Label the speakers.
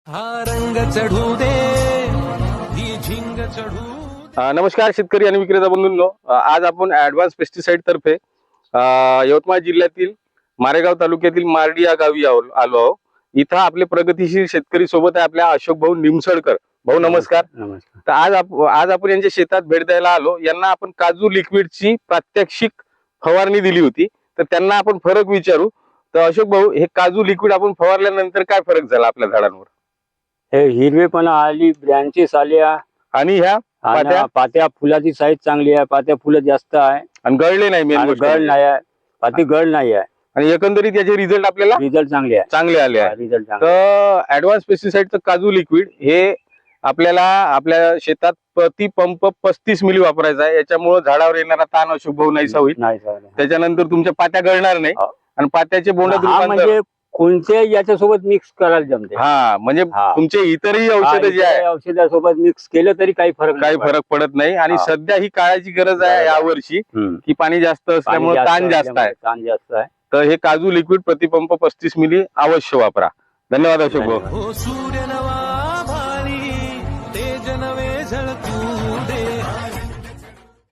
Speaker 1: हा रंग चढू दे ही झिंग चढू
Speaker 2: नमस्कार शेतकरी आणि विक्रेता बंधूंनो, आज आपण ऍडव्हान्स पेस्टिसाइड तर्फे यवतमाळ जिल्ह्यातील मारेगाव तालुक्यातील मार्डी या गावी आलो आहोत. इथं आपले प्रगतीशील शेतकरी सोबत आहे आपल्या अशोक भाऊ निमसडकर. भाऊ नमस्कार.
Speaker 3: नमस्कार.
Speaker 2: तर आज आपण यांच्या शेतात भेट द्यायला आलो. यांना आपण काजू लिक्विडची प्रात्यक्षिक फवारणी दिली होती, तर त्यांना आपण फरक विचारू. तर अशोक भाऊ, हे काजू लिक्विड आपण फवारल्यानंतर काय फरक झाला आपल्या झाडांवर?
Speaker 3: हे हिरवेपणा आली, ब्रँचेस आल्या
Speaker 2: आणि ह्या
Speaker 3: आणि
Speaker 2: पात्या
Speaker 3: पात्या फुलाची साईज चांगली आहे, पात्या फुलं जास्त आहे
Speaker 2: आणि गळले नाही, मेन
Speaker 3: आणि
Speaker 2: गोष्ट
Speaker 3: गळ
Speaker 2: म्हणजे.
Speaker 3: नाही आहे, पाती गळ नाही आहे.
Speaker 2: आणि एकंदरीत याचे रिझल्ट आपल्याला
Speaker 3: रिझल्ट चांगले आहे.
Speaker 2: चांगले आले आहे.
Speaker 3: रिझल्ट चांगले
Speaker 2: तर ऍडव्हान्स पेस्टिसाइडचं काजू लिक्विड हे आपल्याला आपल्या शेतात प्रति पंप 35 मिली वापरायचा आहे. याच्यामुळे झाडावर येणारा ताण अशुभ भाऊ नाहीसा होईल.
Speaker 3: नाही सर.
Speaker 2: त्याच्यानंतर तुमच्या पात्या गळणार नाही
Speaker 3: हो.
Speaker 2: आणि पात्याचे बोंडात
Speaker 3: हा
Speaker 2: रूपांतर
Speaker 3: म्हणजे कोणत्याही याच्यासोबत मिक्स करायला जमते.
Speaker 2: हा म्हणजे
Speaker 3: हा.
Speaker 2: तुमचे इतरही औषधं जे आहे
Speaker 3: औषधासोबत मिक्स केलं तरी काही फरक
Speaker 2: काही
Speaker 3: नाही
Speaker 2: फरक पडत नाही. आणि
Speaker 3: हा.
Speaker 2: सध्या ही काळाची गरज आहे
Speaker 3: बरोबर.
Speaker 2: यावर्षी,
Speaker 3: हम्म.
Speaker 2: की पाणी जास्त
Speaker 3: पाणी
Speaker 2: असल्यामुळे ताण जास्त आहे.
Speaker 3: ताण जास्त आहे.
Speaker 2: तर हे काजू लिक्विड प्रतिपंप 35 मिली अवश्य वापरा. धन्यवाद अशोक भाऊ.
Speaker 1: हो सूर्य नवा